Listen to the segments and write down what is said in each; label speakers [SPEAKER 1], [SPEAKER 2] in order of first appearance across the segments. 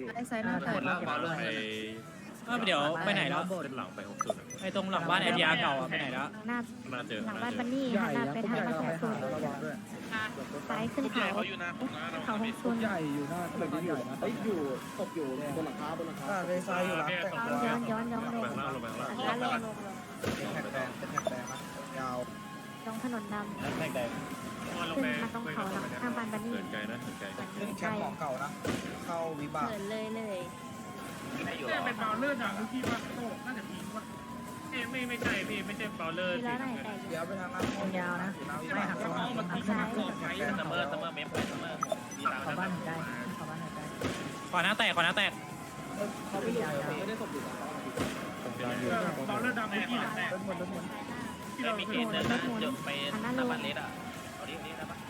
[SPEAKER 1] ไอ้ไซน่าแต่
[SPEAKER 2] เดี๋ยวไปไหนแล้ว
[SPEAKER 3] เป็นหลังไป60
[SPEAKER 2] ไอ้ตรงหลังบ้านไอเดียเก่าไปไหนแล้ว
[SPEAKER 4] หน้า
[SPEAKER 3] มาเจอ
[SPEAKER 4] หลังบ้านบันนี่หันหน้าไปทางบ้านแสนสุนซ้ายขึ้นเขาเขาหกซุน
[SPEAKER 5] ใหญ่อยู่หน้าตึกใหญ่นะอยู่ตกอยู่บนหลังคาเรซายอยู่หลังแต่งตัว
[SPEAKER 4] ย้อนลง
[SPEAKER 3] ลงไปข้างล่างลงไปข้างล่าง
[SPEAKER 4] แล้วลง
[SPEAKER 5] แท็กแดงเป็นแท็กแดงนะยาว
[SPEAKER 4] ลงถนนดำ
[SPEAKER 5] แท็กแดง
[SPEAKER 4] ขึ้นมาตรงเขาหลังข้างบ้านบันนี่
[SPEAKER 3] เกินไกลนะเกินไกล
[SPEAKER 5] ขึ้นแชมป์ของเก่านะเข้าวิบาก
[SPEAKER 4] เหินเลย
[SPEAKER 6] เป็นบอลเลอร์ดังที่ว่าโตน่าจะพีว่าไม่ใช่พี่ไม่ใช่บอลเลอร์
[SPEAKER 4] ทีละไหนแต่
[SPEAKER 5] เดี๋ยวไปทางนั้นยาวนะไม่หัก
[SPEAKER 6] ก็
[SPEAKER 5] ซ้าย
[SPEAKER 6] มันซ้าย
[SPEAKER 7] เสมอเมฟไปเสมอ
[SPEAKER 1] ขอบ้านหนึ่งได้ขอบ้านหนึ่งได้
[SPEAKER 2] ขวาหน้าแตก
[SPEAKER 5] เขาไม่ได้ตกอยู่
[SPEAKER 6] บอลเลอร์ดังที่แหละ
[SPEAKER 7] ไม่มีเกณฑ์เดินนะจบไปหน้าบ้านเล็กอ่ะเอาดินะปะ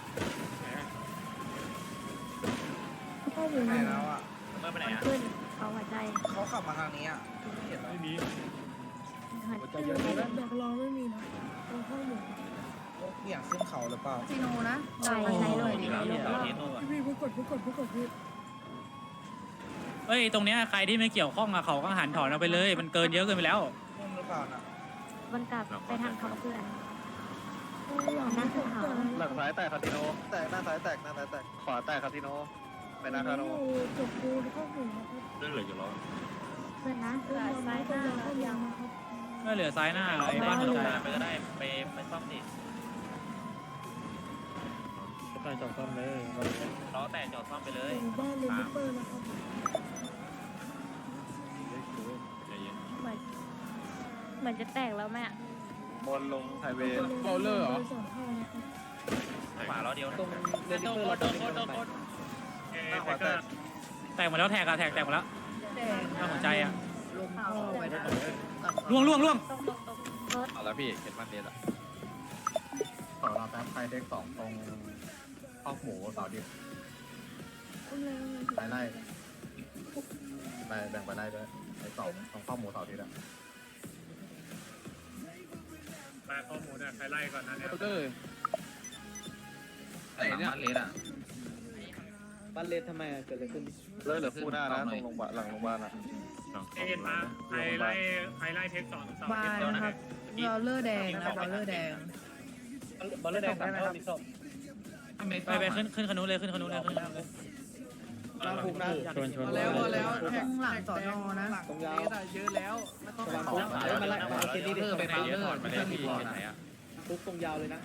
[SPEAKER 4] ก็อยู่
[SPEAKER 5] ไหนแล้วอ่ะ
[SPEAKER 7] เมื่อไปไหนอ่ะ
[SPEAKER 4] ขึ้นเขาหัวใจ
[SPEAKER 5] เขาขับมาทางนี้อ่ะเห็นไหม
[SPEAKER 6] ไม่มี
[SPEAKER 4] หันขึ้น
[SPEAKER 1] แบบรอไม่มีนะตรงข้อมูล
[SPEAKER 5] อยากขึ้นเขาหรือเปล่า
[SPEAKER 1] ซีโนนะ
[SPEAKER 4] ใจใจเลย
[SPEAKER 7] เราเทโน่
[SPEAKER 1] พี่ผู้กดพี่
[SPEAKER 2] เฮ้ยตรงเนี้ยใครที่ไม่เกี่ยวข้องกับเขาก็หันถอนเอาไปเลย มันเกินเยอะเกินไปแล้ว
[SPEAKER 5] มุ่งหรือเปล่านะ
[SPEAKER 4] วนกลับไปทางเขาเพื่อนนั่งขึ้นเขา
[SPEAKER 8] หลังซ้ายแตกคาสิโนแตกหน้าซ้ายแตกหน้าซ้ายแตกขวาแตกคาสิโนไปหน้าคาโน
[SPEAKER 1] จบกูข้อมูลนะครับ
[SPEAKER 3] เรื่องเหลืออยู่แล้ว
[SPEAKER 4] เพื่อนนะ
[SPEAKER 1] ซ้ายหน้าข้อมูลนะครับ
[SPEAKER 2] ก็เหลือซ้ายหน้าไอ้บ้าน
[SPEAKER 7] ล
[SPEAKER 2] หัว
[SPEAKER 7] ง
[SPEAKER 2] ใจ
[SPEAKER 7] มาไปก็ได้ไปซ่อมดิ
[SPEAKER 3] ใช่จอดซ่อมเลย
[SPEAKER 7] ล้อแตกจอดซ่อมไปเลย
[SPEAKER 1] บ้านเลนเปอร์นะครับ
[SPEAKER 3] ใจเย็น
[SPEAKER 4] เหมือนจะแตกแล้วแม่
[SPEAKER 8] บนลงไฮเวย์
[SPEAKER 1] บอลเลอร์เหรอสองเท่านะครับ
[SPEAKER 7] ขวาล้อเดียวนะ
[SPEAKER 5] เล่นเปอร์เราต้องไป
[SPEAKER 6] หน้าขวาแตก
[SPEAKER 2] แตกหมดแล้วแตกแตกหมดแล้วหน้าหัวใจอ่ะ
[SPEAKER 1] ลงท่อไปได้
[SPEAKER 2] ล่วง
[SPEAKER 4] ตรงรถ
[SPEAKER 8] เอาแล้วพี่เห็นมันเด็ดอ่ะ
[SPEAKER 5] ต่อเราแป๊บไฟเด็กสองตรงข้าวหมูเสาดิบไปไล่ไปแบ่งไปไล่ด้วยไอ้สองตรงข้าวหมูเสาดิบอ่ะ
[SPEAKER 6] มาข้อมูลเนี่ยใครไล่ก่อนนะเนี่ย
[SPEAKER 7] ไอ้เนี่ยเลสอ่ะ
[SPEAKER 5] บ้านเลนทำไมเกิดอะไรขึ้น
[SPEAKER 8] เลิกเหลือคู่หน้านะตรงโรงพยาบาลหลังโรงพยาบาลอ่ะ
[SPEAKER 6] เอ็นมาใครไล่เทค2 2
[SPEAKER 1] บ้านนะครับบอลเลอร์แดงนะบอลเลอร์แดง
[SPEAKER 5] บอลเลอร์แดงได้ไหมครับมีศพ
[SPEAKER 2] ไปขึ้นขนุนเลยขึ้นขนุนเลยขึ้นขนุนเลย
[SPEAKER 5] เราคุมนะ
[SPEAKER 1] แล้วแทงหลังสอนอนะ
[SPEAKER 5] ตรงยาวเยอะแล้วไม่ต้องไปคุกมาไล่มาเกนี่ดิ
[SPEAKER 7] ไปไหนเยอะไปไหนพี่ไปไหนอ่ะ
[SPEAKER 5] คุกตรงยาวเลยนะ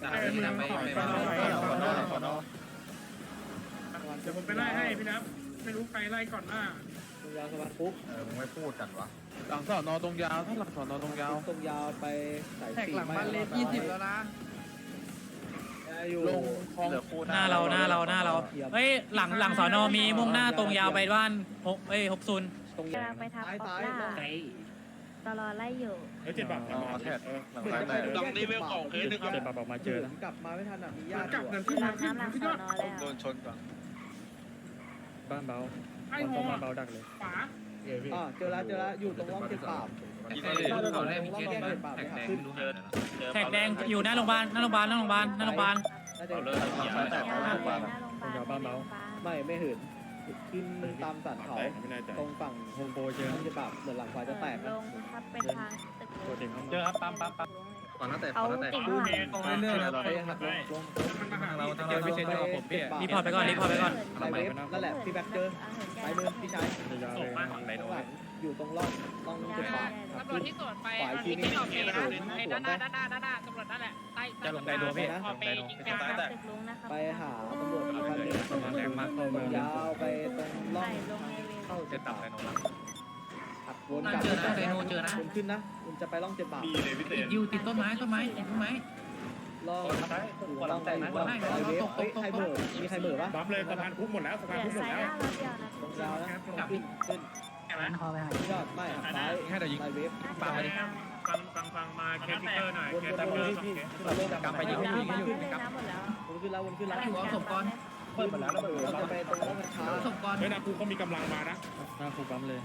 [SPEAKER 6] เดี๋ยวผมไปไล่ให้พี่นับไม่รู้ใครไล่ก่อนหน้า
[SPEAKER 5] ตรงยาวสะพานคุก
[SPEAKER 8] มึงไม่พูดกันวะ
[SPEAKER 5] หลังสอนอตรงยาวถ้าหลังสอนอตรงยาวตรงยาวไปสายสี่หลังบ้านเลน20แล้วนะอยู่ลงคลอง
[SPEAKER 8] เหลือคู่ห
[SPEAKER 2] ห
[SPEAKER 8] น้า
[SPEAKER 2] น้าเราเฮ้ยหลังสอนอมีมุ่งหน้าตรงยาวไปบ้าน60
[SPEAKER 5] ตรง
[SPEAKER 4] กำลังไปทางป๊อปล่าตลอไล่อยู่
[SPEAKER 6] แล้ว7 บาท
[SPEAKER 8] อ๋อแท็กหลังซ้ายแตก
[SPEAKER 7] ต้องรีเวลของเคสนึงครับ
[SPEAKER 6] 7 บาทออกมาเจอแล้ว
[SPEAKER 5] กลับมาไม่ทันอ่ะมีญาติ
[SPEAKER 6] กลับเงินที่
[SPEAKER 4] รับน้ำหลังสอนอแล้ว
[SPEAKER 8] โดนชนก่อน
[SPEAKER 3] บ้านเบา
[SPEAKER 6] ไอ้หัว
[SPEAKER 3] บ้านเบาดักเลย
[SPEAKER 6] ขวา
[SPEAKER 5] เจอแล้วอยู่ตรงร่องเจ็ดปาบ
[SPEAKER 7] เขาได้มีเคสไหมแท็กแดงเจอ
[SPEAKER 2] แท็กแดงอยู่หน้าโรงพยาบาลหน้าโรงพยาบาลหน้าโรงพยาบาลหน้าโรงพยาบาล
[SPEAKER 8] เอาเลยหลังซ้ายแตก
[SPEAKER 4] ห
[SPEAKER 8] ห
[SPEAKER 4] น้า
[SPEAKER 8] น้าโรงพยาบาล
[SPEAKER 4] โรงพยาบาล
[SPEAKER 5] ไม่เหินขึ้นตามสันเขา
[SPEAKER 3] ไม่แน่ใจ
[SPEAKER 5] ตรงฝั่ง
[SPEAKER 3] โฮมโปรเจอ
[SPEAKER 5] ร่องเจ็ดปาบเหมือนหลังควายจะแตก
[SPEAKER 4] ลงครับเป็นทางตึก
[SPEAKER 3] โปรเจเข้า
[SPEAKER 7] เจอ
[SPEAKER 3] มา
[SPEAKER 7] ครับปั๊ม
[SPEAKER 8] ก่อนหน้าแตก
[SPEAKER 4] เขา
[SPEAKER 8] ก่อนหน้าแตก
[SPEAKER 4] ติดข้างหลัง
[SPEAKER 6] ตรงเรื่อยๆ
[SPEAKER 5] ไปหักลง
[SPEAKER 6] มันมาหาเรา
[SPEAKER 5] เจอไม่ใช่ตัวผมพี่
[SPEAKER 2] รีพอร์ตไปก่อน
[SPEAKER 5] ไลเวฟนั่นแหละพี่แบ็คเจอสายมือพี่ชาย
[SPEAKER 3] ยาวเลย
[SPEAKER 5] ข้างหลังอยู่ตรงร่องเจ็ดปาบ
[SPEAKER 9] ตำรวจที่สวนไป
[SPEAKER 5] ฝ่ายที่
[SPEAKER 9] ที่ออกเองนะไอ้ด้านหน้าตำรวจนั่นแหละใต้
[SPEAKER 7] จะลงไดโดพี่
[SPEAKER 9] ออกไปยิง
[SPEAKER 7] จะตายแต่
[SPEAKER 4] ตึกลุงนะครับ
[SPEAKER 5] ไปหาตำรวจอีกคันหนึ่ง
[SPEAKER 3] แรงมากเข้าเมือง
[SPEAKER 5] ยาวไปตรงร่อ
[SPEAKER 4] ใส่
[SPEAKER 5] ง
[SPEAKER 4] ลงในเว
[SPEAKER 5] เข้า
[SPEAKER 7] จะตัดไดโนละ
[SPEAKER 5] ขับวนกลับวนขึ้นนะคุณจะไปร่องเจ็ดปาบ
[SPEAKER 6] มีเลยพี่เต้
[SPEAKER 9] อยู่ติดต้นไม้ติดต้นไม้
[SPEAKER 5] ร่องอยู่ร่องไปร่องไฮเวฟเฮ้ยไฮเบอร์มีไฮเบอร์ปะ
[SPEAKER 6] บัฟเลยสะพานคุกหมดแล้วสะ
[SPEAKER 4] เห
[SPEAKER 6] พาน
[SPEAKER 4] ลื
[SPEAKER 6] คุ
[SPEAKER 4] อก
[SPEAKER 6] หมด
[SPEAKER 4] สาย
[SPEAKER 6] แล้ว
[SPEAKER 4] หน้าเราเดียวนะ
[SPEAKER 5] ตรงยาวนะขึ้น
[SPEAKER 1] คอไปหาย
[SPEAKER 5] ยอดไม่ซ้ายไฮเวฟ
[SPEAKER 4] ปากไปดิ
[SPEAKER 6] ฟังมาเคสทิกเกอร์หน่อย
[SPEAKER 5] วน
[SPEAKER 6] เค
[SPEAKER 5] ว
[SPEAKER 6] ส
[SPEAKER 5] น
[SPEAKER 6] ทิก
[SPEAKER 5] ว
[SPEAKER 6] เกอน ร์
[SPEAKER 5] พี่
[SPEAKER 6] 2 เคส
[SPEAKER 5] ขึ้นมาลงกลับไปยิง
[SPEAKER 4] น้ำหมดแล้ว
[SPEAKER 5] วนขึ้นแล้ววนขึ้นแล้ว
[SPEAKER 4] อยู่เอาศพก่อน
[SPEAKER 5] เปิดหมดแล้วเราจะไปตรงร่องกันช้า
[SPEAKER 9] ศพก่อน
[SPEAKER 6] เฮ้ยนะกูเขามีกำลังมานะ
[SPEAKER 3] หน้าคูปั๊มเลย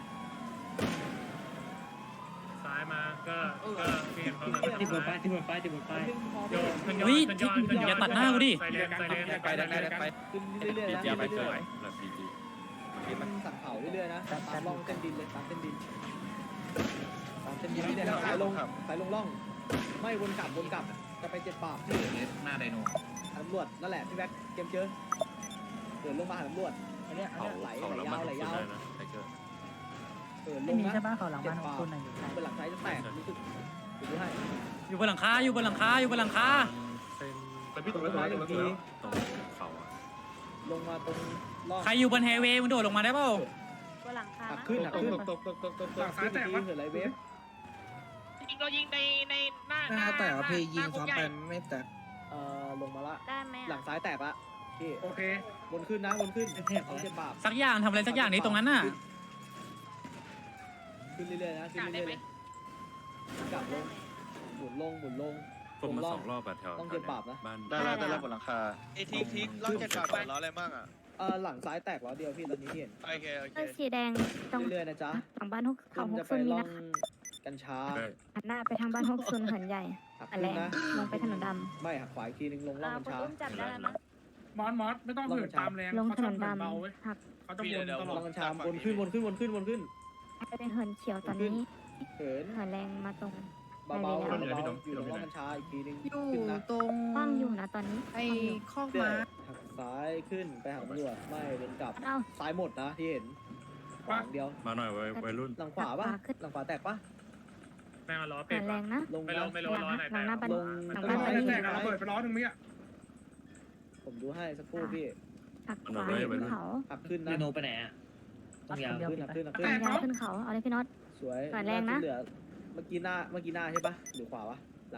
[SPEAKER 6] ซ้ายมาก็เปลี่ยนเขาเลย
[SPEAKER 3] ที่บนป้าย
[SPEAKER 6] โยน
[SPEAKER 2] เฮ้ยอย่าตัดหน้ากูดิ
[SPEAKER 6] ใส่เลน
[SPEAKER 8] ไปได้ไป
[SPEAKER 5] ขึ้นเรื่อยๆนะ
[SPEAKER 8] เจียไปเจอ
[SPEAKER 3] หลักพีจี
[SPEAKER 5] ที่มันสั่งเผาเรื่อยๆนะตามร่องเส้นดินเลยตามเส้นดินเรื่อยๆสายลงร่องไม่วนกลับจะไป7 บาท
[SPEAKER 9] หน้าไดโน
[SPEAKER 5] ตำรวจนั่นแหละพี่แบ็คเกมเจอเดินลงมาหาตำรวจอันเนี้ยไหลยาวเดินล
[SPEAKER 1] ไม่
[SPEAKER 5] ง
[SPEAKER 1] มี
[SPEAKER 5] นะ
[SPEAKER 1] ใช่ป่ะเขาหลังบ้านของคุณน่ะอยู่ใช่
[SPEAKER 5] เป็นหลังซ้ายจะแตกรู้สึกดูให้
[SPEAKER 2] อยู่บนหลังคาอยู่บนหลังคาอยู่บนหลังคา
[SPEAKER 3] แต่พี่ตรงนั้นตรงเขาอ่ะ
[SPEAKER 5] ลงมาตรงร่อง
[SPEAKER 2] ใครอยู่บนไฮเวย์มึงโดดลงมาได้เปล่า
[SPEAKER 4] บนหลังคา
[SPEAKER 5] หัก
[SPEAKER 4] นะ
[SPEAKER 5] ขึ้น
[SPEAKER 6] หลังซ้ายแตก
[SPEAKER 5] ที
[SPEAKER 6] ปะ
[SPEAKER 5] เหินไหลเวฟ
[SPEAKER 9] ยิงเรายิงในหน้า
[SPEAKER 10] หน้าแต่ว่าพี่ยิงซ้อมไปไม่แตก
[SPEAKER 5] ลงมาละ
[SPEAKER 4] ได้ไหม
[SPEAKER 5] หลังซ้ายแตกละพี่
[SPEAKER 6] โอเค
[SPEAKER 5] วนขึ้นนะวนขึ้นเอา7 บาท
[SPEAKER 2] สักอย่างทำอะไรสักอย่างนี้ตรงนั้นน่ะ
[SPEAKER 5] ขึ้นเรื่อยๆนะขึ้น
[SPEAKER 9] กาได้
[SPEAKER 5] เรื่อย
[SPEAKER 9] ไหม
[SPEAKER 5] ๆกลับลงหมุนลง
[SPEAKER 3] ผมมา2 รอบแบบแถว
[SPEAKER 5] ต้อง7 บาทนะ
[SPEAKER 3] บ้าน
[SPEAKER 8] ได้แล้วบนหลังคาไอ้ทิกล่องจะกลับล้ออะไรมั่งอ่ะ
[SPEAKER 5] หลังซ้ายแตกแล้วเดียวพี่ตอนนี้ที่เห็น
[SPEAKER 8] โอเค
[SPEAKER 4] เออสีแดงตรง
[SPEAKER 5] เรื่อยๆนะจ๊ะ
[SPEAKER 4] หลังบ้านฮก
[SPEAKER 5] คุ
[SPEAKER 4] เขา
[SPEAKER 5] ณ
[SPEAKER 4] ฮ
[SPEAKER 5] จะ
[SPEAKER 4] ก
[SPEAKER 5] ไป
[SPEAKER 4] ซุนนี่
[SPEAKER 5] ล่อ
[SPEAKER 4] นะ
[SPEAKER 5] งกัญชา
[SPEAKER 4] หันหน้าไปทางบ้านฮกซุนเหินใหญ่
[SPEAKER 5] หัก
[SPEAKER 4] อัน
[SPEAKER 5] ขึ้
[SPEAKER 4] แร
[SPEAKER 5] น
[SPEAKER 4] ก
[SPEAKER 5] นะ
[SPEAKER 4] ลงไปถนนด
[SPEAKER 5] ไม่หักขวาอีกทีนึงลง
[SPEAKER 4] ำ
[SPEAKER 5] ล่องกัญชา
[SPEAKER 4] จับได้แล้วนะ
[SPEAKER 6] มอสไม่ต้องเหินตามแรง
[SPEAKER 4] ลง
[SPEAKER 6] เขา
[SPEAKER 4] ถ
[SPEAKER 6] ช
[SPEAKER 4] น
[SPEAKER 6] อบ
[SPEAKER 4] น
[SPEAKER 6] เหิน
[SPEAKER 4] ดำ
[SPEAKER 6] เบาเว้ย
[SPEAKER 4] หัก
[SPEAKER 6] เขาจะวนตล
[SPEAKER 5] ล่
[SPEAKER 6] อ
[SPEAKER 5] อ
[SPEAKER 6] ด
[SPEAKER 5] งกัญชาวนขึ้น
[SPEAKER 4] ไปเป็นเหินเขียวตอนนี้
[SPEAKER 5] เหิน
[SPEAKER 4] เหินแรงมาตรง
[SPEAKER 5] เบาๆอยู่ตรงล่องกัญชาอีกทีนึง
[SPEAKER 1] อยู่
[SPEAKER 5] ขึ้นนะ
[SPEAKER 1] ตรง
[SPEAKER 4] คว่ำอยู่นะตอนนี้
[SPEAKER 1] ไอ้คอก
[SPEAKER 5] เรื่อ
[SPEAKER 1] ม้าย
[SPEAKER 5] หักซ้ายขึ้นไปหาตำรวจไม่เดินกลับ
[SPEAKER 4] เอ้า
[SPEAKER 5] ซ้ายหมดนะที่เห็นขวาเดียว
[SPEAKER 3] มาหน่อยวัยรุ่น
[SPEAKER 5] หลังขวาป่ะหลังขวาแตกป่ะ
[SPEAKER 6] แม่งล้อ
[SPEAKER 4] เหิ
[SPEAKER 6] เป็ด
[SPEAKER 4] นแรงนะ
[SPEAKER 5] ลง
[SPEAKER 6] ไม่
[SPEAKER 5] นะ
[SPEAKER 6] ลงไม่ลงล้อไหน
[SPEAKER 4] หลังหน้าบ้าน
[SPEAKER 5] ลง
[SPEAKER 4] หลัง
[SPEAKER 6] ล้
[SPEAKER 4] บ้าน
[SPEAKER 6] อ
[SPEAKER 4] บ้าน
[SPEAKER 6] ไหน
[SPEAKER 4] นี้
[SPEAKER 6] แตกระเบิดไปล้อนึงเมื่อ
[SPEAKER 5] ผมดูให้สักครู่พี่
[SPEAKER 4] หักขวาขึ้นเขา
[SPEAKER 5] หักขึ้นนะ
[SPEAKER 9] ไดโนไปไหนอ่ะ
[SPEAKER 5] หักขึ้น
[SPEAKER 4] หักยาวขึ้นเขาเอาเลยพี่น็อต
[SPEAKER 5] สวย
[SPEAKER 4] หันแรงนะ
[SPEAKER 5] เหลือเมื่อกี้หน้าใช่ปะหรือขวาวะหลัง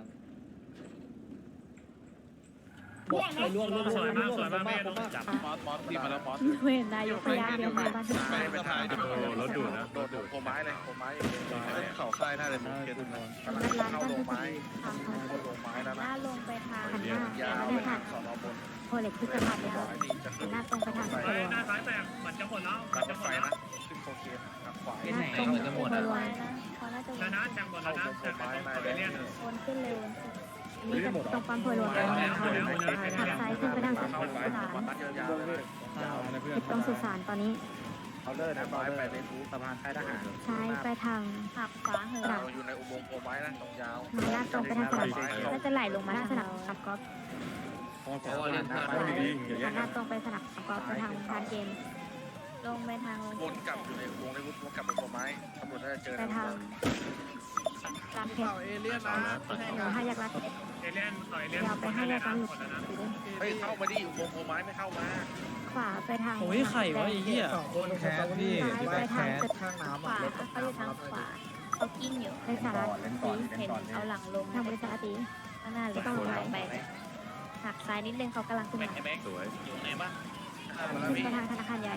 [SPEAKER 5] ล่วง
[SPEAKER 6] สวยมาก
[SPEAKER 5] จับ
[SPEAKER 8] มอสดีมาแล้วมอส
[SPEAKER 4] เวนนายกพยาเดียวมาบ้าน
[SPEAKER 8] ไปทางรถดูดนะโดดโคไม้เลยโคไม้เข่าค่ายหน้าเลยมึงเกตุน
[SPEAKER 4] นัดร้าน
[SPEAKER 8] เข้า
[SPEAKER 4] กัน
[SPEAKER 8] โล
[SPEAKER 4] ทุก
[SPEAKER 8] ไม้
[SPEAKER 4] ทีทางเขา
[SPEAKER 8] เข้าโลไม้แล้ว
[SPEAKER 4] ห
[SPEAKER 8] นะ
[SPEAKER 4] น้าลงไปทางหันหน้าย
[SPEAKER 8] าว
[SPEAKER 4] ไม่
[SPEAKER 8] เลย
[SPEAKER 4] ผ่าน
[SPEAKER 8] สอนอบน
[SPEAKER 4] โพเล็กพฤษภาไปแล้ว
[SPEAKER 8] ดีจะ
[SPEAKER 4] หันหน้าตรงไปทาง
[SPEAKER 6] ห
[SPEAKER 4] โพลวง
[SPEAKER 6] น้าซ้ายแตกเหมือนจะหมดแล้ว
[SPEAKER 8] รถไฟนะขึ้นโคเคนทางขวา
[SPEAKER 4] หน้าตรงโพลวงนะเขาน่าจะว
[SPEAKER 6] ช
[SPEAKER 4] น
[SPEAKER 6] นะแทงหมดแล้วนะแทงตัวเอเลี่ยน
[SPEAKER 4] วนขึ้นเลยวนขึ้นอันนี้จะตรงปั๊มโพลวงแล้วนะคะหักซ้ายขึ้นไปทางสุ
[SPEAKER 8] เข้าไป
[SPEAKER 4] สาน
[SPEAKER 8] มัดยาวเลย
[SPEAKER 4] ติดตรงสุสานตอนนี้
[SPEAKER 8] เอาเลยนะไปไปฟูสะพานค่ายทหาร
[SPEAKER 4] ซ้ายไปทางหักขวาเหิน
[SPEAKER 8] เราอยู่ในอุโมงค์โคไม้นะตรงยาว
[SPEAKER 4] หน้าตรงไปทางสนามก็จะไหลลงมาทางสนามกอล์ฟ หันหน้าตรงไปสนามกอล์ฟไปทางพานเกมลงไปทาง
[SPEAKER 8] วนกลับอยู่ในวงในวุฒิวนกลับไปโคไม้ตำรวจน่าจะเจอ
[SPEAKER 4] ไปทางรามเพชร
[SPEAKER 1] เอเลี่ยนนะ
[SPEAKER 4] ห้าแยกรัดเพชร
[SPEAKER 6] เอเลี่ยนต่อยเอเลี่ยน
[SPEAKER 4] ยาวไปห้าแยกรัดหลุด
[SPEAKER 8] เฮ้ยเข้ามาดิอุโมงค์โคไม้ไม่เข้ามา
[SPEAKER 4] ขวาไปทาง
[SPEAKER 2] โอ้ยไข่วะไอ้เหี้ย
[SPEAKER 10] คนแคสพี่
[SPEAKER 4] ซ้ายไปทางตึก
[SPEAKER 10] ข้างน้ำ
[SPEAKER 4] ขวาเขาอยู่ทางขวาเขากิ้งอยู่ในสาราตีเห็นเอาหลังลงทางบริษัทตีข้างหน้าเลยต้องไปหักซ้ายนิดนึงเขากำลังขึ้น
[SPEAKER 7] แม็
[SPEAKER 4] มาก
[SPEAKER 7] ไอ้แม็กอยู่ไหนบ้าง
[SPEAKER 4] ขึ้นไปทางธนาคารใหญ่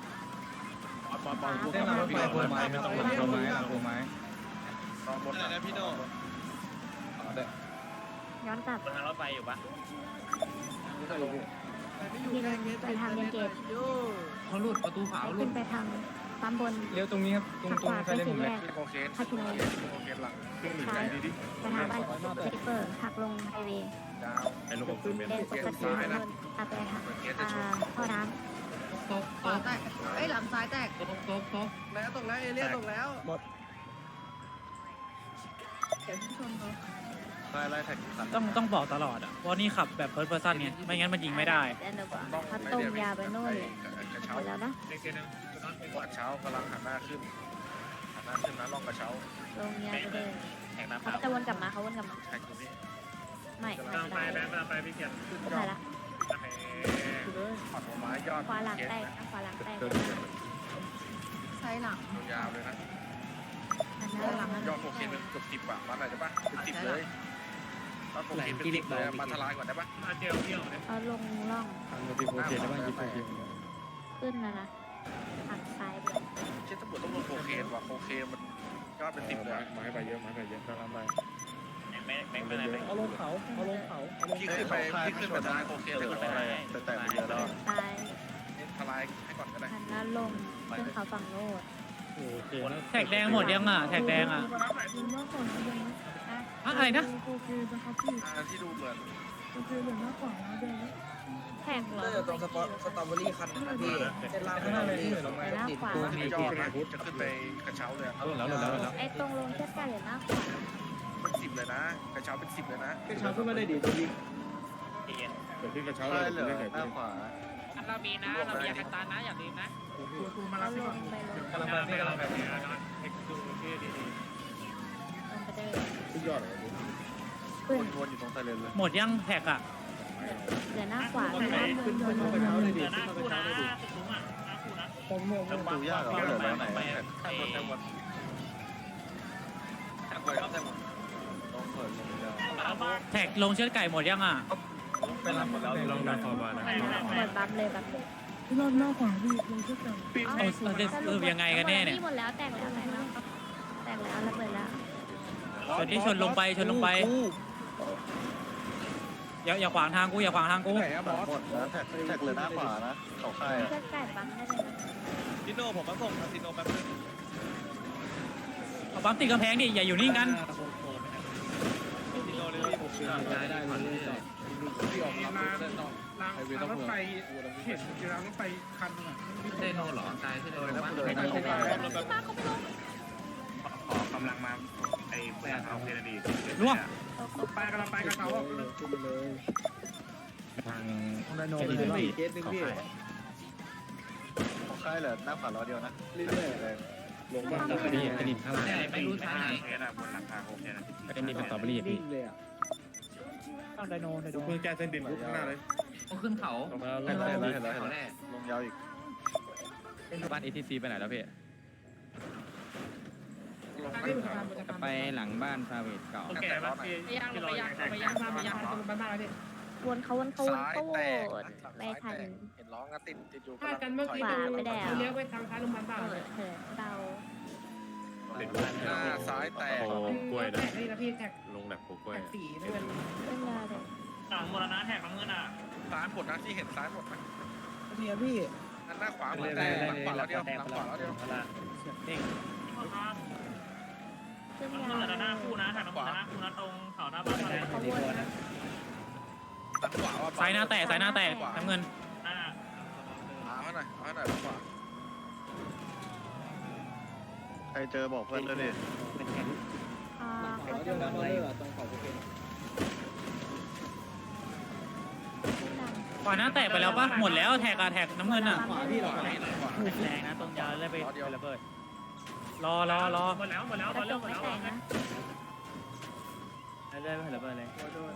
[SPEAKER 10] เส้นรางรถไฟโคไม้ไม่ต้องหลังโคไม้หลังโคไม้
[SPEAKER 8] ลองบนนะพี่โน่
[SPEAKER 4] ย้อนกลับบ
[SPEAKER 7] นทางรถไฟอยู่ปะ
[SPEAKER 4] ที่นึงไปทางเรียนเกต
[SPEAKER 9] เขาหลุดประตูขาวหลุ
[SPEAKER 4] ขึ้
[SPEAKER 9] ด
[SPEAKER 4] นไปทางปั๊มบน
[SPEAKER 10] เลี้ยวตรงนี้ครับตรง
[SPEAKER 4] หัก
[SPEAKER 10] ต
[SPEAKER 4] ข
[SPEAKER 10] รง
[SPEAKER 4] วา
[SPEAKER 10] ใค
[SPEAKER 4] ไป
[SPEAKER 10] รเล่นผ
[SPEAKER 4] สี่
[SPEAKER 10] ม
[SPEAKER 4] แย
[SPEAKER 10] เลย
[SPEAKER 4] ก
[SPEAKER 8] โคเคน
[SPEAKER 4] คาสิโน
[SPEAKER 8] โคเคนหลังขึ้นหนึ่ง
[SPEAKER 4] ซ้าย
[SPEAKER 8] ดีดิ
[SPEAKER 4] ไปทางบ้านเซเปอร์หักลงไฮเวย์
[SPEAKER 8] ยาว
[SPEAKER 3] ไอ้ลูกอมเป็น
[SPEAKER 4] เลนปกตินะอาไปทางท่อน้
[SPEAKER 9] ตก
[SPEAKER 1] ขวาแตกไอ้หลังซ้ายแตก
[SPEAKER 9] ตก
[SPEAKER 1] แล้วตกแล้วเอเลี่ยนตกแล้วเดี๋ยวชนเขา
[SPEAKER 8] ไล่แท็กตัด
[SPEAKER 2] ต้องบอกตลอดอ่ะว่านี่ขับแบบเพิร์ดเพอร์ซันไงไม่งั้นมันยิงไม่ได้
[SPEAKER 4] ำแล้วกว่าถ้าตรงยาวไปโน่นเลย
[SPEAKER 8] กระ
[SPEAKER 4] ห
[SPEAKER 8] เช้าม
[SPEAKER 4] ดแล้วนะ
[SPEAKER 6] เด็กเกนึง
[SPEAKER 8] กระเช้ากำลังหันหน้าขึ้นนะล่องกระเช้า
[SPEAKER 4] ลงยาวไปเลย
[SPEAKER 7] แข่งน้ำ
[SPEAKER 4] เขาจะวนกลับมาเขาวนกลับมา
[SPEAKER 8] แท็กตรงนี้
[SPEAKER 4] ไม่
[SPEAKER 6] กำลังไปแบงค์กำลังไปพี่เกียรติ
[SPEAKER 8] ขึ้น
[SPEAKER 4] ไม่
[SPEAKER 8] ยอด
[SPEAKER 4] ละ
[SPEAKER 8] ขอดหัวไม้ยอด
[SPEAKER 4] ขวาหลังแตกขวาหลังแตก
[SPEAKER 1] ซ้ายหลัง
[SPEAKER 8] ยาวเลยนะ
[SPEAKER 4] หันหน้าหลัง
[SPEAKER 8] ยอดโคเคนเป็นเกือบ10 บาทมันอะไรได้ปะเป็น10เลยยอดโคเคนเป็น10เลยมาทลายก่อนได้ปะ
[SPEAKER 6] มาเจลเที่ยวเนี่ย
[SPEAKER 4] เอาลงล่อง
[SPEAKER 3] ทางโมบิโคเคนได้บ้างยิปโคเคน
[SPEAKER 4] ขึ้นแล้วนะหักซ้ายไป
[SPEAKER 8] เช่นตำรวจต้องลงโคเคนว่ะโคเคนมันยอดเป็น10เลย
[SPEAKER 3] ไม้ไปเยอะกำลังไป
[SPEAKER 7] แม็กไปไหนแม็ก
[SPEAKER 5] เอาลงเขา
[SPEAKER 8] พี่ขึ้นไปทลายโคเคนเลยแต่ไปเยอะแล้ว
[SPEAKER 4] ซ้าย
[SPEAKER 8] ทลายให้ก่อนก็ได้
[SPEAKER 4] หันหน้าลงขึ้นเขาฝั่งโน้น
[SPEAKER 3] โอเค
[SPEAKER 2] แท็กแดงหมดยังอ่ะแท็กแดงอ่ะอะไรนะ
[SPEAKER 8] ที่ดูเหมือน
[SPEAKER 4] แท็กเหรอ
[SPEAKER 10] ตรงสตรอเบอรี่คันนะพี่เส้นล่างสตรอเบอรี่ลงมา
[SPEAKER 4] หน้าขวา
[SPEAKER 8] ไม่ยอมนะจะขึ้นไปกระเช้าเลย
[SPEAKER 3] หลุดแล้วหลุดแล้วหลุดแล้ว
[SPEAKER 4] ไอ้ตรงลงเชือกไก่หรือหน้าขวา
[SPEAKER 8] เป็น10เลยนะกระเช้าเป็น10เลยนะ
[SPEAKER 5] กระเช้าขึ้นมาได้ดีตรงนี้
[SPEAKER 3] เกิดขึ้นกระเช้าเลยเล่นไก่ปิ้ง
[SPEAKER 7] เรามีนะเรามียากันตานะอย่าลืมนะ
[SPEAKER 6] กูมา
[SPEAKER 4] เขา
[SPEAKER 6] รับ
[SPEAKER 4] ล
[SPEAKER 6] ไปก่อน
[SPEAKER 4] งไปลง
[SPEAKER 6] กำลังไปเอ็กซ์ดูที่ดี
[SPEAKER 4] ลงไปเดิน
[SPEAKER 3] สุดยอดเลย
[SPEAKER 8] วนอยู่ตรงไซเรนเลย
[SPEAKER 2] หมดยังแท็กอ่ะ
[SPEAKER 4] เหลือหน้าขวา
[SPEAKER 5] ขึ้นกระเช้าเลยดิ
[SPEAKER 6] หน้าคู่นะสูงอ่ะหน้าคู่นะ
[SPEAKER 8] ดูยากเหรอเหลือแล้วไหนแท็กวนแท็กวนแท็กวนครับแท็กวนต้องเปิดลงยาว
[SPEAKER 2] แท็กลงเชือดไก่หมดยังอ่ะ
[SPEAKER 8] ไปรับหมดแล้ว
[SPEAKER 3] ลองดันฟอร์มานะ
[SPEAKER 4] หมดบัฟเลยบัฟเลย
[SPEAKER 1] รอบหน้าขวาพี่ลงเชือกไก่
[SPEAKER 2] เอายังไงกันแน่เนี่ย
[SPEAKER 4] หมดแล้วแตกแล้วแตกแล้วแตกแล้วระเบิดแล้ว
[SPEAKER 2] ชนที่ชนลงไปชนลงไปอย่าขวางทางกูอย่าขวางทางกู
[SPEAKER 5] ไหนอะบอส
[SPEAKER 8] หมดนะแท็กเลยหน้าขวานะเขาค่าย
[SPEAKER 4] เชือกไก่บัฟได้เลยนะ
[SPEAKER 8] ดิโน่ผมมาส่งคาสิโนแป๊บนึง
[SPEAKER 2] เอาปั๊มติดกำแพงดิอย่าอยู่นิ่งกัน
[SPEAKER 8] ดิโน่เลยผมเชื่อ
[SPEAKER 5] ได้เลยพี่ออก
[SPEAKER 6] มี
[SPEAKER 5] รับ
[SPEAKER 6] ราง
[SPEAKER 5] เส้นนอก
[SPEAKER 6] รางรถไฟเห็นอยู่รางรถไฟคันนึงอ่ะ
[SPEAKER 9] เซโนหรอตายเซโน
[SPEAKER 8] เลยนะ
[SPEAKER 9] ว่า
[SPEAKER 8] เลยนะเขาค่าย
[SPEAKER 4] ป้าเขาไม่ลง
[SPEAKER 6] ขอกำลังมาไอ้เพื่อนเอาเพลดี
[SPEAKER 2] ล่วง
[SPEAKER 6] ไปกำลังไปกับเขา
[SPEAKER 5] ขึ้นไปเลย
[SPEAKER 3] ทาง
[SPEAKER 5] ไดโนไปเลยเคสนึงพี่
[SPEAKER 8] เขาค่ายเหรอหน้าขวาล้อเดียวนะ
[SPEAKER 5] เรื่อย
[SPEAKER 3] ลงบ้านสตรอเบอรี่กระดิ่งข้างล่าง
[SPEAKER 9] ไม่รู้ทางไหน
[SPEAKER 6] เพลบนหลังคาโอเคนะ
[SPEAKER 3] กระดิ่งเป็นสตรอเบอรี่
[SPEAKER 5] ๆ
[SPEAKER 3] พี่
[SPEAKER 5] นิ่งเลยอ่ะ
[SPEAKER 2] ไดโน
[SPEAKER 3] เพิ่งแก้เส้นดินปุ๊บข้างหน้าเลย
[SPEAKER 9] ต้องขึ้นเขา
[SPEAKER 3] ลงมา
[SPEAKER 8] เห็นแล้วเห็นแล้วเห็น
[SPEAKER 9] เขา
[SPEAKER 8] แล้ว
[SPEAKER 9] แน่
[SPEAKER 8] ลงยาวอีก
[SPEAKER 2] บ้าน ATC ไปไหนแล้วพี่
[SPEAKER 8] ลงไป
[SPEAKER 2] ไปหลังบ้านซาเวตเก่า
[SPEAKER 6] โอเคป่ะพี่พี่รออย่างแตก
[SPEAKER 4] วนเขาวนเขาวน
[SPEAKER 8] ซ้าย
[SPEAKER 4] เขาว
[SPEAKER 8] แตก
[SPEAKER 4] นไม่ทัน
[SPEAKER 8] เห็นร้องนะติดอยู่
[SPEAKER 4] ขวาไปแล้วเลี้ยวไปทางซ้ายโรงพยาบาลเถิดเรา
[SPEAKER 8] หน้าซ้ายแตก
[SPEAKER 3] โอ้กล้วยนะลงแบบโกล้วย
[SPEAKER 4] เรื่องยาเลย
[SPEAKER 6] หลังมรณะแท็กน้ำเงินอ่ะ
[SPEAKER 8] ซ้ายหมดนะที่เห็นซ้ายหมดนะ
[SPEAKER 10] พี่พี่
[SPEAKER 8] หน้าขวาหมดแต่หลังขวาแล้วเดียวหลังขวาแล้วเดียว
[SPEAKER 4] เรื่อง
[SPEAKER 6] น้ำ
[SPEAKER 4] ยา
[SPEAKER 6] เงินหน้าคู่นะแท็กน้ำเงินหน้าคู่นะตรงเขาหน้าบ้าน
[SPEAKER 4] เขาวนนะ
[SPEAKER 8] หลังขวาว่า
[SPEAKER 2] สายหน้าแตกสายหน้าแตกน้ำเงิน
[SPEAKER 6] หน้า
[SPEAKER 8] เอาให้หน่อยหลังขวาใครเจอบอกเพื่อนด้วยดิ
[SPEAKER 5] เขาเดียวนะบอลเลอร์ตรงเขาโอเค
[SPEAKER 2] ขวาหน้าแตกไปแล้วปะหมดแล้วแท็กอะแท็กน้ำเงินอะ
[SPEAKER 5] ขวาพี่หรอ
[SPEAKER 2] แรงนะตรงยาวเลยไประเบิดรอ
[SPEAKER 6] หมดแล้วหมดแล้ว
[SPEAKER 4] กระจ
[SPEAKER 6] เริ่ม
[SPEAKER 4] ก
[SPEAKER 6] หมด
[SPEAKER 4] ไม่
[SPEAKER 6] แล้ว
[SPEAKER 4] แตกนะ
[SPEAKER 2] เรื่อยๆไประเบิดเลย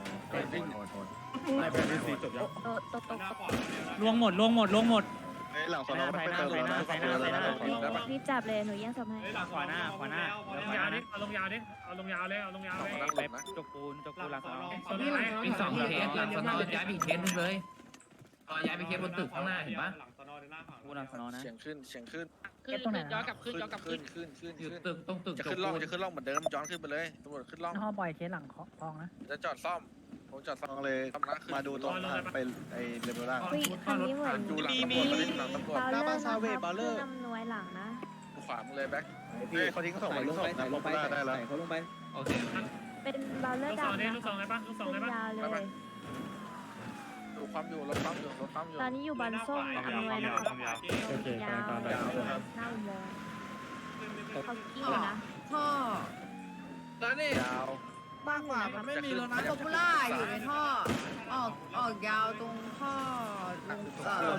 [SPEAKER 3] ไม่เป็นที่สี่จบยัง
[SPEAKER 4] ตก
[SPEAKER 6] หน้าขวา
[SPEAKER 2] ลวงหมด
[SPEAKER 8] เฮ้ยหลังสอนอไม่เติมแล้วนะได้ปะ
[SPEAKER 4] รีบจับเลยหนูแย่งศพให้
[SPEAKER 6] ลงยาวดิเอาลงยาวดิเอาลงยาวเลยเอาลงยาวเลย
[SPEAKER 8] นั่งหลบนะ
[SPEAKER 2] จกปูนหลัง
[SPEAKER 9] มีสองเคสหลังสนอย้ายไปอีกเคสนึงเลยย้ายไปเคสบนตึกข้างหน้าเห็นปะ
[SPEAKER 6] หลังสนอหน้าฝั่ง
[SPEAKER 2] ปูหลังสนอนะ
[SPEAKER 8] เสียงขึ้น
[SPEAKER 7] ย้อนกลับขึ้นย้อนกลับขึ้น
[SPEAKER 9] อยู่ตึกตรงตึก
[SPEAKER 8] จะขึ้นร่องเหมือนเดิมย้อนขึ้นไปเลยตำรวจขึ้นร่อง
[SPEAKER 2] ห้องปล่อยเคสหลังคลองนะ
[SPEAKER 8] จะจอดซ่อมผมจอดซ่อมเลยมาดูตรงทางไปไอ้เลเวลล่าง
[SPEAKER 4] อุ้ยคันนี้เหมือน
[SPEAKER 8] ดูหลังตำรวจหลังตำรวจ
[SPEAKER 4] บาเลอร์นะคะผู้นำหน่วยหลังนะ
[SPEAKER 8] ขวามึงเลยแบ็ค
[SPEAKER 5] พี่
[SPEAKER 8] เขาทิ้งเขาส่ง
[SPEAKER 5] ใส่
[SPEAKER 8] ไป
[SPEAKER 5] ล
[SPEAKER 8] ทิ้
[SPEAKER 5] ง
[SPEAKER 8] งส่
[SPEAKER 5] ไป
[SPEAKER 8] ง
[SPEAKER 5] ใส่
[SPEAKER 8] นะ
[SPEAKER 5] ล
[SPEAKER 8] ล
[SPEAKER 5] ง
[SPEAKER 8] ง
[SPEAKER 5] ไป
[SPEAKER 8] ไปได้แล้ว
[SPEAKER 5] ใส่เขาลงไป
[SPEAKER 9] โอเค
[SPEAKER 4] เป็นบาเลอ
[SPEAKER 6] ลู
[SPEAKER 4] ร์
[SPEAKER 6] กซอง
[SPEAKER 4] ดำ
[SPEAKER 6] นี่
[SPEAKER 4] นะ
[SPEAKER 6] ลูกซองได้ปะลูกซองได้ปะ
[SPEAKER 4] ยาวเลย
[SPEAKER 8] ดูความอยู่รถปั๊มอยู่รถปั๊มอยู่
[SPEAKER 4] ตอนนี้อยู่บันส้มอำนวยนะครับ
[SPEAKER 3] โอเค
[SPEAKER 4] ยาว
[SPEAKER 3] ตามแบบ
[SPEAKER 4] หน้าอุโมงค์เขากิ้งนะ
[SPEAKER 1] ท่อ
[SPEAKER 10] แล้วนี่
[SPEAKER 8] ยาว
[SPEAKER 1] บ้างกว่ามันไม่มีรถนะโปปูล่าอยู่ในท่อ ออกยาวตรงท่อลง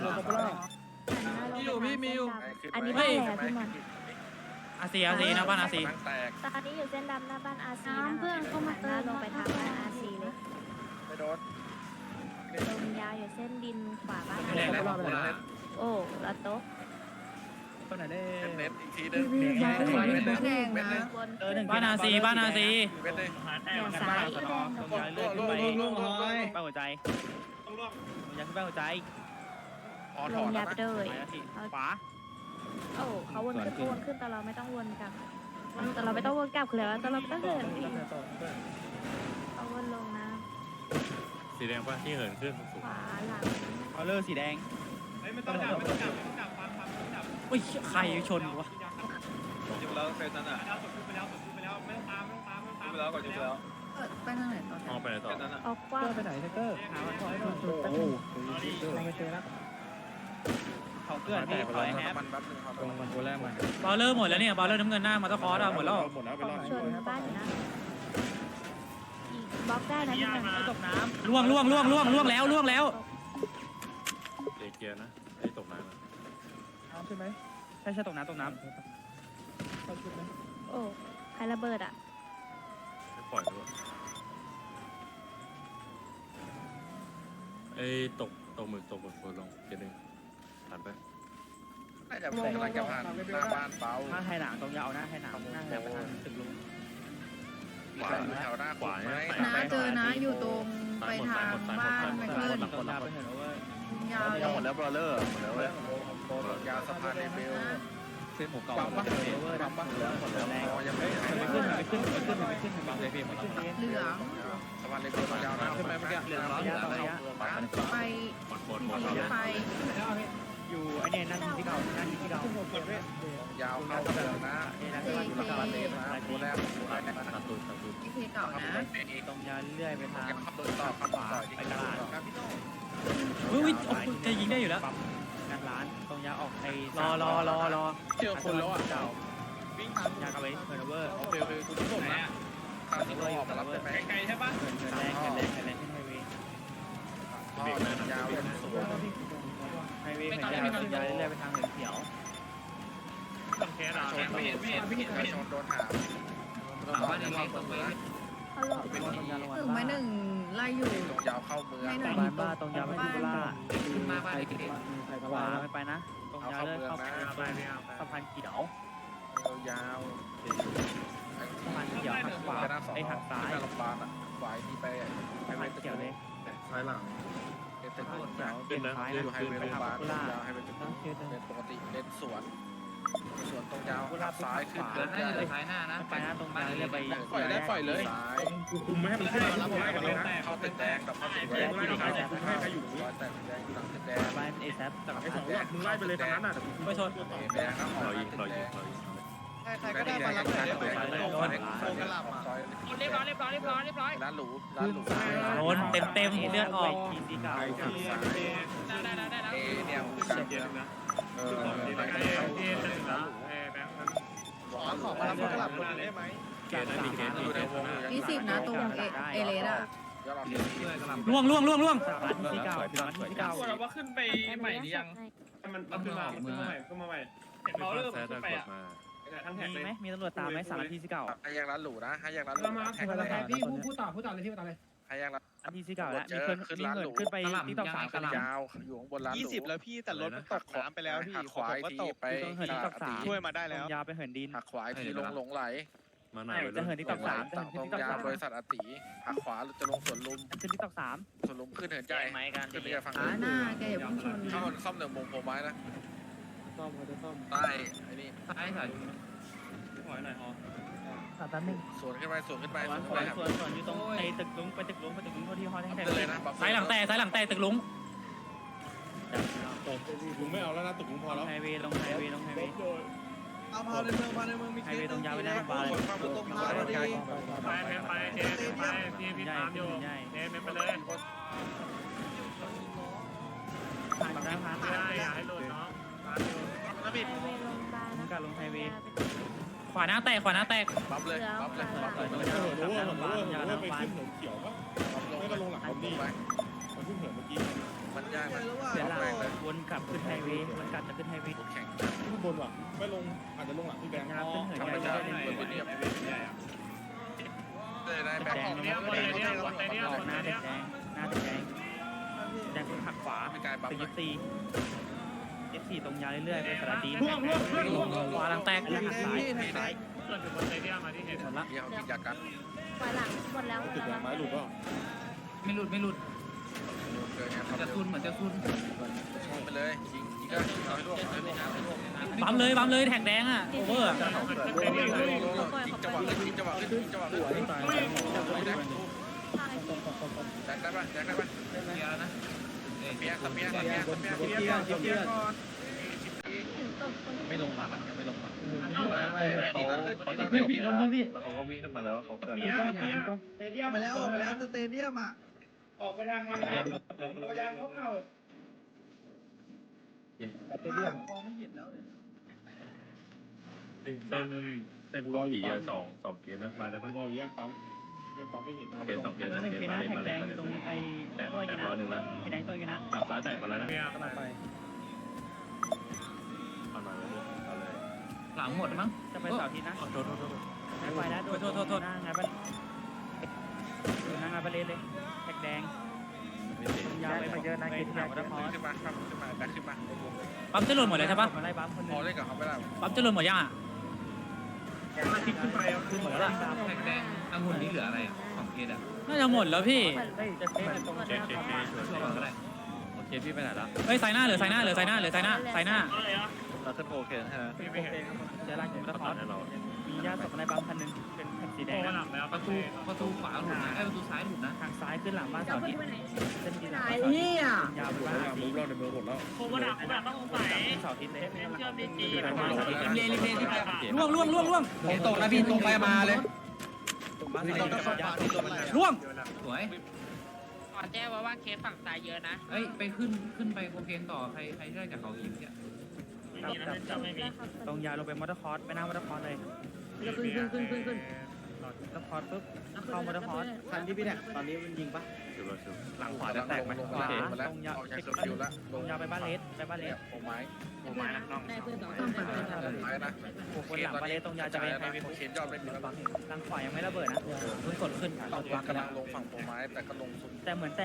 [SPEAKER 10] มีอยู่พี่มีอยู่
[SPEAKER 4] อันนี้บ้านอะไรพี่มัน
[SPEAKER 2] อาซีนะบ้านอาซี
[SPEAKER 8] แตก
[SPEAKER 4] ตอนนี้อยู่เส้นดำหน้าบ้านอาซีเพื่อนเข้ามาเติมลงไปทางบ้านอาซีเลย
[SPEAKER 8] ไม่โดน
[SPEAKER 4] ลงยาวอยู่เส้นดินขวาบ้าน
[SPEAKER 9] แดงแล้วโคราช
[SPEAKER 4] โอ้ละโต๊ะ
[SPEAKER 8] เน็ตอีกทีนึง
[SPEAKER 1] แดงนะ
[SPEAKER 4] บน
[SPEAKER 2] บ้านอาซี
[SPEAKER 8] เม็ดเลย
[SPEAKER 6] หาแท็ก
[SPEAKER 4] เดี๋ยวซ้าย
[SPEAKER 5] ลงหอย
[SPEAKER 2] ป้าหัวใจ
[SPEAKER 6] ต้องร่วง
[SPEAKER 2] อยากขึ้นป้าหัวใจ
[SPEAKER 8] พอถ
[SPEAKER 4] ล
[SPEAKER 8] อง น
[SPEAKER 4] ยา
[SPEAKER 8] นะ
[SPEAKER 4] ไปเลย
[SPEAKER 2] ขวา
[SPEAKER 4] โอ้เขาวนขึ้นแต่เราไม่ต้องวนกลับแต่เราไม่ต้องวนกลับคือแล้วแต่เราต้องเหินเขาวนลงนะ
[SPEAKER 3] สีแดงป่ะที่เหินขึ้นสูง
[SPEAKER 4] ขวาหลัง
[SPEAKER 2] เอาเลอร์สีแดง
[SPEAKER 6] ไม่ต้องจับไม่ต้องจับฟังจับ
[SPEAKER 2] อุ้ยใครชนวะ
[SPEAKER 8] อยู่แล้วเฟสนั้นอ่ะ
[SPEAKER 6] แล้วจบไปแล้วไม่ต้องตามไม่ต้องตาม
[SPEAKER 8] ไปแล้วก่อนจุดแล้ว
[SPEAKER 1] ไปทางไหนต่อ
[SPEAKER 3] มองไปไหนต่อ
[SPEAKER 4] ออกกว้าง
[SPEAKER 5] ไปไหนเตอร์หาวันก่อนโอ้โหเราไปเจอแล้ว
[SPEAKER 7] เขาเกิดที่คอยแฮป
[SPEAKER 8] มันแป๊บนึงครับ
[SPEAKER 5] ตรงมันตัวแรกมัน
[SPEAKER 2] บอลเลอร์หมดแล้วเนี่ยบอลเลอร์น้ำเงินหน้ามาตะคอร์ดหมดแล้ว
[SPEAKER 3] หมดแล้วไปรอบ
[SPEAKER 4] ชนบ้านอยู่นะอีกบล็อกได้นะพี่หนึ่ง
[SPEAKER 7] ตกน้
[SPEAKER 2] ล่วงแล้ว
[SPEAKER 3] เอเกียนะไอ้ตกน้ำ
[SPEAKER 5] ใช่ไหม
[SPEAKER 7] ำใช่ตกน้ำ
[SPEAKER 5] เข้าชุดไหม
[SPEAKER 4] โอ้ใครระเบิดอ่ะ
[SPEAKER 3] ไม่ปล่อยด้วยไอ้ตกหมึกโคลงเกียร์หนึ่งผ่านไป
[SPEAKER 8] น่าจะกำลังจะผ่านหน้าบ้านเปา
[SPEAKER 7] ถ้าไทยหลังตรงยาวนะไทยหลังหน้าแถวไปทางตึกลุง
[SPEAKER 8] ขวาแถวหน้าขวาไหม
[SPEAKER 1] นะเจอนะอยู่ตรงไปทางบ้านไปขึ้น
[SPEAKER 7] ตรงยาวไปเห็นว่าย
[SPEAKER 1] าวเลย
[SPEAKER 8] หมดแล้วบอลเลอร์หมดแล้วเว้ยยาวสะพานเลเวล
[SPEAKER 7] เส้นหมูเก่า
[SPEAKER 8] ปั๊มปะ
[SPEAKER 7] เวอร์ดับ
[SPEAKER 8] หมดแล้วแรงยังไม่หาย
[SPEAKER 7] ไม่ขึ้นไม่ขึ้นบางเลยพี่หมดแล้ว
[SPEAKER 1] เหลือง
[SPEAKER 8] สะพานเลเวลยาวนะใช่ไหมเมื่อกี้
[SPEAKER 7] เหลืองร้อยยาวระยะ
[SPEAKER 1] ไป
[SPEAKER 3] หมด
[SPEAKER 1] ไป
[SPEAKER 7] อยู่ไอ้เนี่ยนั่นที่เก่านั่นที่เก่าย
[SPEAKER 8] าวเข้าเมืองนะสะพานเลเวลนะตัวแรก
[SPEAKER 3] ตัดตูด
[SPEAKER 1] ไอเคเก่านะ
[SPEAKER 7] ตรงยาวเรื่อยไปทาง
[SPEAKER 8] ขับรถต่อขับต่อ
[SPEAKER 7] ไปตลาด
[SPEAKER 2] อุ้ยจะยิงได้อยู่แล้ว
[SPEAKER 7] งานร้านตรงยาวออกไอ้
[SPEAKER 2] รอ
[SPEAKER 7] เจอคนแล้วอ่ะเก่าวิ่งยาวกันไปเฮอร์เวอร์โอเคคุณต้องส่งนะ
[SPEAKER 8] ขับรถออกมารับได้ไหม
[SPEAKER 7] ไกลใช่ปะเหินแรงขึ้นไฮเวย์
[SPEAKER 8] ยาวสวย
[SPEAKER 7] ไฮเวย์เหินยาวเรื่อยไปทางเหินเขียว
[SPEAKER 6] ต้องแค่ดาว
[SPEAKER 8] ไม่เห็นชนโดนหา
[SPEAKER 9] หาบ้านเล็กๆตรงนี้
[SPEAKER 4] เขาหลบ
[SPEAKER 7] เป็นตรงยาวลง
[SPEAKER 1] ถึงไม้หนึ่งไล่อยู่
[SPEAKER 8] ตรงยาวเข้าเมือง
[SPEAKER 1] ให้หน่อย
[SPEAKER 7] บ้านบ้าตรงยาวไปที่บุรี
[SPEAKER 9] ขึ้นมาบ้านเล็ก
[SPEAKER 5] ใคร
[SPEAKER 7] ข
[SPEAKER 5] ก็
[SPEAKER 7] วา
[SPEAKER 5] ว่า
[SPEAKER 7] ไม่ไปนะ ตรงยาวเลื่อนเข้า
[SPEAKER 6] ไปไม่เอา
[SPEAKER 7] สะพานเขียว
[SPEAKER 8] ยาว
[SPEAKER 7] สะพานเขียวหักขวาไอ้หักซ้าย
[SPEAKER 8] แม่ลำบากอ่ะขวาที่ไป
[SPEAKER 7] สะพานเขียวเลย
[SPEAKER 3] ซ้ายหลัง
[SPEAKER 8] เป็น
[SPEAKER 7] สะ
[SPEAKER 8] ต้
[SPEAKER 7] พาน
[SPEAKER 8] น
[SPEAKER 7] เขียวเป็นซ้าย
[SPEAKER 8] อ
[SPEAKER 7] นะ
[SPEAKER 8] ยู่ไฮเวย์
[SPEAKER 7] ไป
[SPEAKER 8] โรงพ
[SPEAKER 7] ทาง
[SPEAKER 8] ยาบาล
[SPEAKER 7] บุรี
[SPEAKER 8] ยาวไฮเวย์เป็น
[SPEAKER 7] ต้องเขียว
[SPEAKER 8] เป็นปกติเลนสวนตรงยาวซ้ายขึ้น
[SPEAKER 9] ๆแล้วน่าจะอยู่ท้ายหน้านะ
[SPEAKER 7] ไปนะตรงยาวเรื่อยไป
[SPEAKER 8] ซ้าย
[SPEAKER 6] คุมไม่ให้มันขึ้นมาแล้วผมไล่กันเลยนะ
[SPEAKER 8] เข้าตึกแดงกับเข้าตึกแดง
[SPEAKER 6] ไล่ใครให้ใครอยู่
[SPEAKER 8] ร้อยแต่ตึกแดงหลังตึกแดง
[SPEAKER 7] บ้านเอซับจาก
[SPEAKER 6] ไอ้สองหลักมึงไล่ไปเลยทางนั้นอ่ะแต่กู
[SPEAKER 2] ไม่ชน
[SPEAKER 8] แดงครับ
[SPEAKER 3] รอยิง
[SPEAKER 8] ใครก็ได้มารับหน่อยโดนกระหล่ำซอย
[SPEAKER 7] เรียบร้อย
[SPEAKER 8] ร้านหรู
[SPEAKER 2] โดนเต็มเลือดออก
[SPEAKER 7] ทีสีเก่า
[SPEAKER 8] เอเนี่ยการเยอะนะเออ
[SPEAKER 6] ไอ้ที่จะถึงแล้วแบงค์นั้น
[SPEAKER 8] ขอมารับกระหล่ำได้ไหม
[SPEAKER 3] เกณฑ์นะมีเกณฑ์
[SPEAKER 8] อยู่ในวง
[SPEAKER 1] 20นะตรงเอเลสอ่ะ
[SPEAKER 8] ยอดเรา
[SPEAKER 9] ด้วยกำลัง
[SPEAKER 2] ล่วง
[SPEAKER 7] สามทีเก่าสามทีเก่า
[SPEAKER 6] เราว่าขึ้นไปใหม่หรือยังมันขึ้นมาขึ้นมาใหม่ขึ้นมาใหม่เห็นเราเริ่มขึ้นไปอ่ะทั้งแท็ก
[SPEAKER 7] มี
[SPEAKER 6] เลย
[SPEAKER 7] ไหมมีตำรวจตามไหมสามทีสีเก่า
[SPEAKER 8] ให้ยังร้านหรูนะให้ยังร้านหรู
[SPEAKER 6] เรามาถึงแล้วพี่พูดต่อเลยพี่ต่อเลย
[SPEAKER 8] ให้ยังร้าน
[SPEAKER 7] อันทีสีเก่าแล้วมีเงินขึ้นไปที่ต่อสามกัน
[SPEAKER 8] ยาวอยู่ข้างบนร้านหรู
[SPEAKER 10] 20 แล้วพี่แต่รถมันตกน้ำไปแล้วพี่
[SPEAKER 8] หักขวาทีไป
[SPEAKER 10] ช่วยมาได้แล้ว
[SPEAKER 7] ยาวไปเหินดิน
[SPEAKER 8] หักขวาทีหลงไหล
[SPEAKER 3] มาหน่อย
[SPEAKER 7] จะเหินที่ต่อสามจะเหิน
[SPEAKER 8] ตร
[SPEAKER 7] ที่
[SPEAKER 8] ง
[SPEAKER 7] ต่อย
[SPEAKER 8] าว
[SPEAKER 7] สาม
[SPEAKER 8] บริษัทอติหักขวาจะลงสวนลุม
[SPEAKER 7] ขึ้นที่ต่อสาม
[SPEAKER 8] สวนลุมขึ้นเหินใจ
[SPEAKER 7] ไหมกัน
[SPEAKER 8] ขึ้นไปฝั่ง
[SPEAKER 1] ขาหน้าแกอย่าพุ่งชน
[SPEAKER 8] เข้าซ่อมหนึ่งวงโพไม้นะ
[SPEAKER 5] ซ่อมเขาจะซ่อม
[SPEAKER 8] ใต้ไอ้นี่
[SPEAKER 9] ซ้ายถ่าย
[SPEAKER 6] ถอยหน่อยฮอ
[SPEAKER 7] สามตันหนึ่ง
[SPEAKER 8] สวนขึ้นไปสวนขึ้นไปส
[SPEAKER 7] ส่
[SPEAKER 8] ว
[SPEAKER 7] วน น
[SPEAKER 8] ขึ้นไปครับ
[SPEAKER 7] ส่วนอยู่ตรงไอ้ตึกลุงไปตึกลุงที่ฮอแท่ง
[SPEAKER 8] ขึ้นเลยนะ
[SPEAKER 2] ซ้ายหลังแต่ตึกลุง
[SPEAKER 3] ลุงไม่เอาแล้วนะตึกลุงพอแล้ว
[SPEAKER 7] ไฮเวย์ลงไฮเวย์
[SPEAKER 10] เอาพาในเมืองมี
[SPEAKER 7] ไฮเวย์ตรงยาวไปหน้าบ้าน
[SPEAKER 8] คนข้ามตรงพาพอดี
[SPEAKER 6] ไปเจไปพี่ตามอยู่เจไปเลย
[SPEAKER 7] ผ่านแล้วผ่าน
[SPEAKER 6] ไม่ได้อย่าให้หลุดเนาะตามอยู่
[SPEAKER 4] ไฮเวย์ลงบ้านนะ
[SPEAKER 7] การลงไฮเวย์
[SPEAKER 2] ขวาหน้าแตก
[SPEAKER 8] บัฟเลยบัฟเลยบัฟเลย
[SPEAKER 3] ไปขึ้นเหินเขียวปะไม่ก็ลงหลังผมนี่มันขึ้นเหินเมื่อกี้
[SPEAKER 8] มันยากนะ
[SPEAKER 7] เสียหลักวนกลับขึ้นไฮเวย์วนกลับจะขึ้นไฮเวย์
[SPEAKER 8] แข่ง
[SPEAKER 3] ขึ้นบนว่ะไม่ลงอาจจะลงหลังพี่แบงค์
[SPEAKER 7] ยาวขึ้นเหิน
[SPEAKER 8] ธรรม
[SPEAKER 7] ใหญ่
[SPEAKER 8] ชาติคนเรียบเลยได้แบงค์ของ
[SPEAKER 6] เนี้ยบนเลยเนี้ยบนเลยเนี้ยบน
[SPEAKER 7] ห
[SPEAKER 6] เล
[SPEAKER 7] น้าย แด
[SPEAKER 6] เนี้ย
[SPEAKER 7] งหน้าแดงแดงหักขวา
[SPEAKER 8] มีการบัฟ
[SPEAKER 7] ตึก
[SPEAKER 8] เล
[SPEAKER 7] ยึ
[SPEAKER 8] ย
[SPEAKER 7] ดตีF4 ตรงยาวเรื่อยๆไปสระดี
[SPEAKER 2] ขวาหลังแตก
[SPEAKER 7] หักซ้าย
[SPEAKER 6] เกิดอยู่บนเลยเนี้ยมาที่เห็น
[SPEAKER 2] หมดละ
[SPEAKER 8] เดี๋ยวกินยากัน
[SPEAKER 4] ปล่อยหลังหมดแล้ว
[SPEAKER 3] ตึกหลังไม้หลุดป่ะ
[SPEAKER 9] ไม่หลุด
[SPEAKER 8] เกินไง
[SPEAKER 9] จะซุนเหมือนจะซุน
[SPEAKER 8] ช่องไปเลยยิงก็ยิงน้อยร่วงน้อยร่วง
[SPEAKER 2] บัมเลยแท็กแดงอ่ะโอเวอร์
[SPEAKER 8] ยิงจังหวะขึ้นยิงจังหวะขึ้นยิงจังหวะขึ้นแจ็คได้ปะแจ็คได้ปะ
[SPEAKER 9] เดียวนะ
[SPEAKER 8] เปียเปีย
[SPEAKER 7] ไม่ลงมาไม่ลงมา
[SPEAKER 8] ตี
[SPEAKER 6] ไม่ผิดแล้วพี่
[SPEAKER 3] เขาก็วิ่งขึ้นมาแล้วเขาเกิด
[SPEAKER 6] เตเดียมมาแล้วสเตเดียมอ่ะออกไปทางมันพยายามเข้า
[SPEAKER 3] เต้นรออยู่สองเกมนะมาแล้วมันรออยู่ยังปั๊มไม่เห็นเกม2 เกม3 เกมมาเลยมาเลยตรงไอ้แต่รอหนึ่งแล้วไอ้ไหนตัวอยู่นะกลับซ้ายแตกมาแล้วนะไปเอาเลย
[SPEAKER 9] หลังหมดมั้ง
[SPEAKER 2] จะไปเสาร์อาทิตย์นะโทษไปนะโทษงานบ้านงานบ้านเลยแท็กแดงยาวไปเยอะนะกินยาวก็พอ
[SPEAKER 8] ขึ้นมาดักขึ้นมา
[SPEAKER 2] ปั๊มจะหล่นหมดเลยใช่ปะมาไล่ปั๊มคน
[SPEAKER 8] พอเล่นกับเขาไม่ได้
[SPEAKER 2] ปั๊มจะหล่นหมดยังอ่ะ
[SPEAKER 6] อาทิตย์ขึ้นไป
[SPEAKER 2] คือหมดแล้ว
[SPEAKER 9] แท็กแดงองุ่นนี่เหลืออะไรอ่ะของเคสอ่ะ
[SPEAKER 2] น่าจะหมดแล้วพี่
[SPEAKER 9] ช่วยก่อนก็ได้
[SPEAKER 2] โอเคพี่ไปไหนแล้วเฮ้ยไซน่าเหลือไซน่า
[SPEAKER 3] เราขึ้นโอเคใช่ไหม
[SPEAKER 2] เจอร้านกินตะคอนมีญาติศพในปั๊มคันนึงเป็นแท็กสีแดง
[SPEAKER 9] ประตูขวาหลุดนะประตูซ้ายหลุดนะ
[SPEAKER 2] ทางซ้ายขึ้นหลังบ้านเสาร์อาทิตย์เส้นที่ไหน
[SPEAKER 1] นี่อ่ะ
[SPEAKER 2] ยาวไปบ้าน
[SPEAKER 3] มุกเราในเมืองหมดแล้ว
[SPEAKER 6] โควิดต้องสงสัย
[SPEAKER 2] เสาร์อาทิตย์เลย
[SPEAKER 6] เชื่อมดีจี
[SPEAKER 2] ล่วง
[SPEAKER 10] ตกนะพี่ตรงไปมาเลย
[SPEAKER 2] ล่วง
[SPEAKER 9] สวย
[SPEAKER 7] ขอแจ้งว่าเคสฝั่งซ้ายเยอะนะ
[SPEAKER 9] เอ้ยไปขึ้นไปโคเคนต่อใครได้จากเขาคิมเนี่ย
[SPEAKER 2] ตรงยาวลงไปมอเตอร์คอร์สไปหน้ามอเตอร์คอร์สเลย
[SPEAKER 1] ขึ้น
[SPEAKER 2] มอเตอร์คอร์สปุ๊บเข้ามอเตอร์คอร์ส
[SPEAKER 10] คันที่พี่เนี่ยตอนนี้มันยิงปะ
[SPEAKER 2] หลังขวาจะแตกไหม
[SPEAKER 8] ลงมาแล้วออกจากเคอร์ฟิวแล้ว
[SPEAKER 2] ตรงยาวไปบ้านเลส
[SPEAKER 8] โอ้ไม้
[SPEAKER 6] นะน้อง
[SPEAKER 1] ได้เพื่อน2 3
[SPEAKER 8] ไม้นะ
[SPEAKER 2] บนหลังบ้านเลสตรงยาวจะไปไฮเวย์
[SPEAKER 8] โอเคยอดไม่มีแล้ว
[SPEAKER 2] หลังขวายังไม่ระเบิดนะเพิ่งกดขึ้น
[SPEAKER 8] กำลังลงฝั่งโปรไม้แต่ก็ลงสุด
[SPEAKER 2] แต่เหมือนแต